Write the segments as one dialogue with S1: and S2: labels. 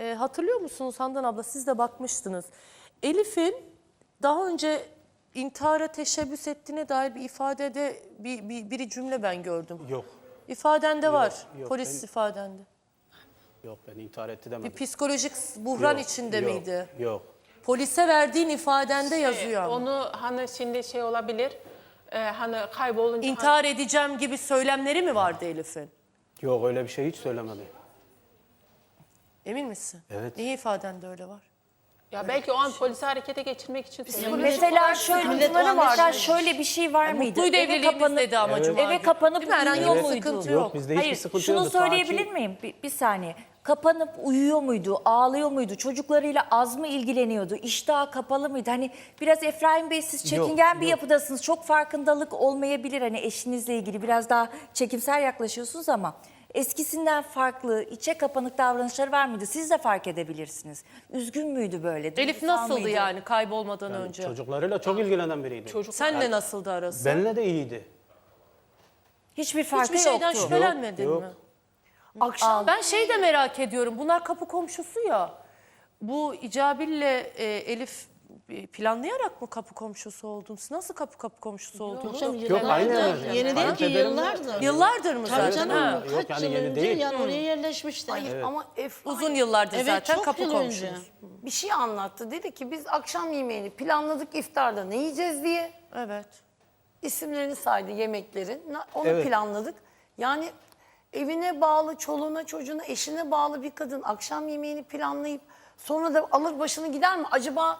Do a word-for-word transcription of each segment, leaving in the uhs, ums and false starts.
S1: E, hatırlıyor musunuz Handan abla, siz de bakmıştınız. Elif'in daha önce intihara teşebbüs ettiğine dair bir ifadede bir, bir, bir cümle ben gördüm.
S2: Yok.
S1: İfadende var,
S2: yok,
S1: polis
S2: ben-
S1: ifadende.
S2: Yok, ben intihar etti
S1: Bir
S2: demedim.
S1: psikolojik buhran
S2: Yok,
S1: içinde
S2: yok,
S1: miydi?
S2: Yok.
S1: Polise verdiğin ifadende yazıyor ama.
S3: Onu hani şimdi şey olabilir. E, hani kaybolunca...
S1: İntihar edeceğim gibi söylemleri mi vardı Elif'in?
S2: Yok, öyle bir şey hiç söylemedi.
S1: Emin misin?
S2: Evet.
S1: Niye ifadende öyle var?
S3: Ya belki o an polisi harekete geçirmek için söylüyor.
S4: Mesela şöyle, mesela şöyle bir şey var mıydı?
S1: Mutluydu
S4: Eve
S1: evliliğimiz
S4: kapanıp-
S1: dedi ama
S2: Evet.
S1: Cuma
S4: Eve
S1: günü.
S4: kapanıp
S1: Değil mi? Herhangi
S4: uyuyor
S1: bir
S4: muydu?
S1: sıkıntı
S2: Yok,
S1: yok.
S2: bizde hiçbir
S4: Hayır,
S2: sıkıntı
S4: şunu
S2: yoktu. Ta
S4: söyleyebilir
S2: ki-
S4: miyim? Bir, bir saniye. Kapanıp uyuyor muydu? Ağlıyor muydu? Çocuklarıyla az mı ilgileniyordu? İştahı kapalı mıydı? Hani biraz Efraim Bey, siz çekingen
S2: Yok,
S4: bir
S2: yok.
S4: yapıdasınız. Çok farkındalık olmayabilir. Hani eşinizle ilgili biraz daha çekimsel yaklaşıyorsunuz ama eskisinden farklı, içe kapanık davranışları var mıydı? Siz de fark edebilirsiniz. Üzgün müydü böyle?
S1: Elif
S4: Duygusal
S1: nasıldı
S4: mıydı?
S1: yani kaybolmadan önce?
S2: Çocuklarıyla çok ilgilenen biriydi.
S3: Çocuk
S1: Senle nasıldı arası?
S2: Benle de iyiydi.
S4: Hiçbir farkı
S1: Hiçbir şeyden
S4: yoktu.
S1: şüphelenmedin
S2: Yok,
S1: mi?
S2: yok.
S1: Akşam ben şey de merak ediyorum. Bunlar kapı komşusu ya. Bu İcabil'le e, Elif e, planlayarak mı kapı komşusu oldun? Siz nasıl kapı kapı komşusu oldunuz?
S2: Yok, aynı yani.
S5: Yeni değil ki,
S2: Kayınpederim-
S5: yıllardır.
S1: Yıllardır mı
S5: Tabii
S1: zaten?
S5: canım,
S1: Ha.
S2: Yok,
S5: kaç
S2: yani
S5: yıl
S2: yeni
S5: önce
S2: değil.
S5: yani oraya yerleşmişti.
S6: Hayır ama Efraim
S1: Uzun yıllardır
S5: Evet,
S1: zaten
S5: çok
S1: kapı
S5: yıl
S1: komşusu.
S5: önce.
S6: bir şey anlattı. Dedi ki biz akşam yemeğini planladık, iftarda ne yiyeceğiz diye.
S1: Evet.
S6: İsimlerini saydı yemeklerin. Na- Onu
S2: Evet.
S6: planladık. Yani evine bağlı, çoluğuna, çocuğuna, eşine bağlı bir kadın akşam yemeğini planlayıp sonra da alır başını gider mi? Acaba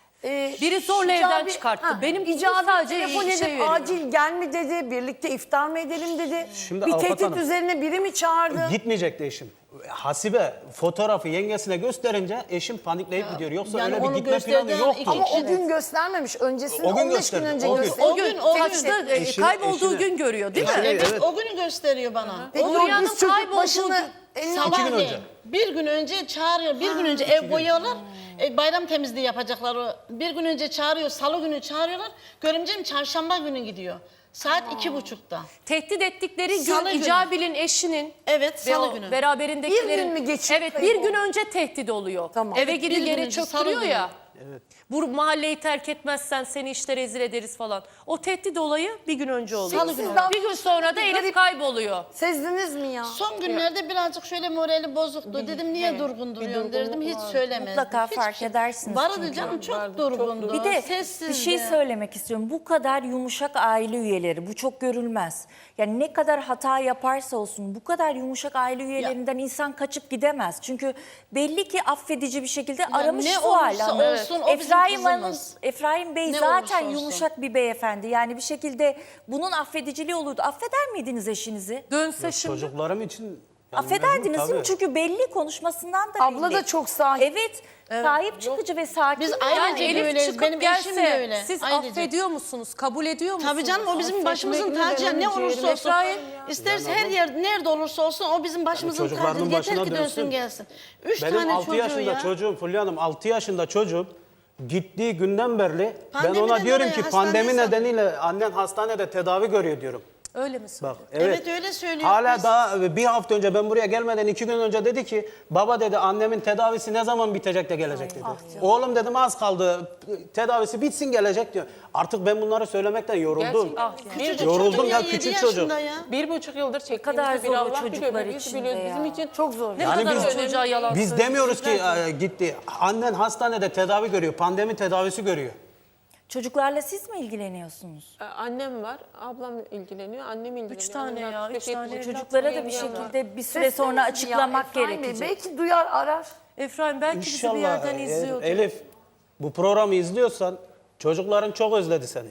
S6: e,
S1: Biri zorla
S6: icabi-
S1: evden çıkarttı.
S6: Ha,
S1: Benim
S6: icabi
S1: sadece
S6: telefon
S1: şey
S6: edip
S1: veriyor.
S6: acil gel mi dedi, birlikte iftar mı edelim dedi.
S2: Şimdi
S6: bir
S2: Avukat
S6: tehdit
S2: Hanım,
S6: üzerine biri mi çağırdı?
S2: Gitmeyecekti eşim. Hasibe fotoğrafı yengesine gösterince eşim panikleyip gidiyor. Yoksa
S5: yani
S2: öyle bir
S5: onu
S2: gitme planı
S5: gösterdiğin
S2: yoktu.
S5: iki
S6: Ama o
S5: Evet.
S6: gün göstermemiş. Öncesinde
S2: O gün
S6: on beş gün
S2: gösterdi,
S6: önce
S2: o gün.
S6: gösterdi.
S1: O gün,
S5: gün, o gün.
S1: kaçta e,
S2: Eşine-
S1: kaybolduğu
S2: eşine-
S1: gün görüyor değil mi?
S2: Eşine-
S5: Evet,
S2: Evet.
S5: o günü gösteriyor bana.
S6: Peki
S1: Onur
S6: o
S1: Yan'ın
S6: diz çöküp
S1: kaybolduğu
S6: başını
S1: gün-
S6: eline
S2: İki gün
S5: Sabahleyin
S2: önce.
S5: bir gün önce çağırıyor, bir gün önce ev boyuyorlar. E, bayram temizliği yapacaklar. o. Bir gün önce çağırıyor, salı günü çağırıyorlar. Görümcem çarşamba günü gidiyor. Saat iki buçukta.
S1: Tehdit ettikleri
S5: Salı
S1: gün
S5: günü.
S1: İcabil'in eşinin
S5: Evet,
S1: ve
S5: salı
S1: o
S5: günü.
S1: beraberindekilerin...
S6: Bir gün mü geçiyor
S1: Evet,
S6: kayıp
S1: bir gün
S6: oldu?
S1: önce tehdit oluyor.
S6: Tamam.
S1: Eve
S5: Evet, bir
S1: gidip
S5: gün
S1: yere
S5: önce, salı
S1: çöktürüyor
S5: günü.
S1: ya. Bu mahalleyi terk etmezsen seni işte rezil ederiz falan. O tehdit olayı bir gün önce oluyor.
S5: Salı günü.
S1: Bir gün sonra da Elif
S6: Garip-
S1: kayboluyor.
S6: Sezdiniz mi ya?
S5: Son günlerde birazcık şöyle morali bozuktu. Dedim niye durgun duruyorsun dedim. Hiç söylemezdim.
S4: Mutlaka
S5: Hiçbir
S4: fark
S5: şey.
S4: edersiniz
S5: Vardı
S4: çünkü.
S5: canım, çok durgundu.
S4: Bir de
S5: Sessizdi.
S4: bir şey söylemek istiyorum. Bu kadar yumuşak aile üyeleri, bu çok görülmez. Yani ne kadar hata yaparsa olsun bu kadar yumuşak aile üyelerinden insan kaçıp gidemez. Çünkü belli ki affedici bir şekilde aramış
S5: ne
S4: Sual
S5: olursa
S4: Hanım.
S5: olsun o bizim
S4: Efraim Hanım,
S5: kızımız.
S4: Efraim Bey
S5: Ne
S4: zaten
S5: olursa olsun.
S4: yumuşak bir beyefendi. Yani bir şekilde bunun affediciliği olurdu. Affeder miydiniz eşinizi?
S1: Dönse şimdi...
S2: Çocuklarım için yani
S4: Affederdiniz
S2: mecbur,
S4: değil mi?
S2: tabii.
S4: Çünkü belli konuşmasından da
S6: Abla
S4: belli.
S6: da çok sahip.
S4: Evet, sahip çıkıcı ve sakin.
S5: Biz
S4: bir
S5: ayrıca
S1: Yani
S4: aile.
S1: Elif
S5: öyle,
S1: çıkıp
S5: benim eşim de
S1: gelse
S5: öyle.
S1: siz
S5: Ayrıca.
S1: affediyor musunuz? Kabul ediyor musunuz?
S5: Tabii canım, o bizim başımızın tacı. Ne olursa olsun.
S1: Efraim,
S5: İsterse her yer nerede olursa olsun o bizim başımızın tacı.
S2: çocuklarının
S5: Yeter
S2: başına
S5: ki dönsün
S2: dönsün.
S5: gelsin. Üç
S2: Benim
S5: tane
S2: altı
S5: çocuğu
S2: yaşında
S5: ya.
S2: çocuğum, Fulya Hanım altı yaşında çocuğum gittiği günden beri ben
S5: Pandemiden
S2: ona diyorum
S5: dolayı
S2: ki pandemi
S5: hastaneye
S2: nedeniyle annen hastanede tedavi görüyor diyorum.
S1: öyle mi söylüyor?
S2: Bak evet.
S5: Evet, öyle söylüyor.
S2: Hala
S5: Biz-
S2: daha bir hafta önce ben buraya gelmeden iki gün önce dedi ki baba dedi annemin tedavisi ne zaman bitecek de gelecek dedi. Oğlum dedim az kaldı tedavisi bitsin gelecek diyor. Artık ben bunları söylemekten yoruldum.
S1: Gerçekten. Ah,
S5: Küçücük
S2: Yoruldum
S5: çocuk
S2: ya,
S5: yedi
S2: küçük çocuk.
S5: yaşında ya.
S3: Bir buçuk yıldır
S4: kadar
S3: çektiğimiz bir
S4: zor o
S3: Allah
S4: çocuklar
S3: biliyor. Biz
S4: için de
S3: biliyoruz.
S4: ya.
S3: Bizim için
S6: Çok zor.
S1: Ne
S2: Yani
S1: kadar
S2: biz-
S1: o çocuğa yalan
S2: Biz
S1: söylüyor.
S2: demiyoruz ki e, gitti. Annen hastanede tedavi görüyor. Pandemi tedavisi görüyor.
S4: Çocuklarla siz mi ilgileniyorsunuz?
S3: Ee, Annem var, ablam ilgileniyor, annem ilgileniyor.
S1: Üç tane
S3: Annem
S1: ya,
S3: altmış
S1: üç
S3: beş,
S1: tane
S3: yetmiş,
S1: evlat
S4: Çocuklara da bir
S3: yengem var.
S4: şekilde bir süre
S6: Sesleniz
S4: sonra
S6: ya,
S4: açıklamak
S6: Efraim Bey.
S4: gerekecek.
S6: Belki duyar arar.
S1: Efraim belki bizi bir
S2: İnşallah
S1: yerden
S2: e,
S1: izliyordur.
S2: Elif bu programı izliyorsan çocukların çok özledi seni.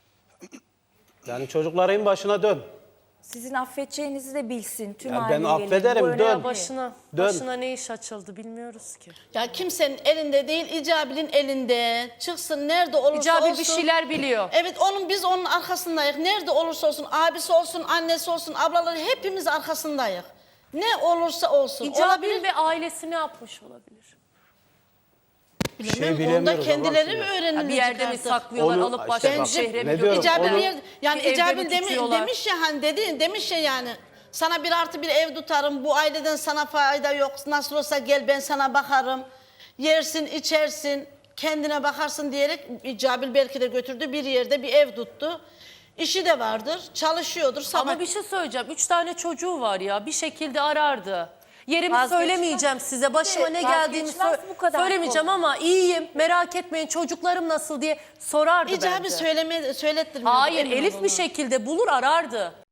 S2: Yani çocukların başına dön.
S4: Sizin affedeceğinizi de bilsin tüm
S2: Ya
S4: aile
S2: ben
S4: üyeleri.
S2: affederim,
S4: Bu önemli.
S2: dön.
S1: Başına,
S2: Dön.
S1: başına ne iş açıldı bilmiyoruz ki.
S5: Ya kimsenin elinde değil, İcabil'in elinde. Çıksın nerede olursa
S1: İcabil
S5: olsun.
S1: bir şeyler biliyor.
S5: Evet, onun biz onun arkasındayız. Nerede olursa olsun, abisi olsun, annesi olsun, ablaları hepimiz arkasındayız. Ne olursa olsun.
S1: İcabil
S5: Olabilir.
S1: ve ailesi ne yapmış olabilir?
S2: Bir şey
S5: Bilmem, onu da
S2: bilemiyoruz
S5: kendileri mi
S2: Allah'ım ya.
S5: öğrenirler?
S1: Bir yerde mi saklıyorlar,
S2: Onu-
S1: alıp başka
S2: işte
S1: bir
S2: bak,
S1: şehre
S2: ne
S1: mi
S2: diyorum,
S1: götürüyorlar?
S5: İcabil
S2: onu-
S5: yer, yani
S1: Bir evde
S5: İcabil
S1: mi
S5: demi,
S1: tutuyorlar?
S5: demiş ya hani dedi demiş ya yani Sana bir artı bir ev tutarım. Bu aileden sana fayda yok. Nasıl olsa gel ben sana bakarım. Yersin, içersin, kendine bakarsın diyerek Cabil belki de götürdü. Bir yerde bir ev tuttu. İşi de vardır, çalışıyordur. Sabah...
S1: Ama bir şey söyleyeceğim. Üç tane çocuğu var ya, bir şekilde arardı. Yerimi
S4: Vazgeçmez.
S1: söylemeyeceğim size. Başıma ne geldiğini
S4: Vazgeçmez
S1: sö-
S4: bu kadar
S1: söylemeyeceğim ama iyiyim. Merak etmeyin, çocuklarım nasıl diye sorardı
S5: İcabi
S1: bence.
S5: söyleme, söylettirmiyordu.
S1: Hayır,
S5: emin
S1: Elif
S5: olun.
S1: bir şekilde bulur arardı.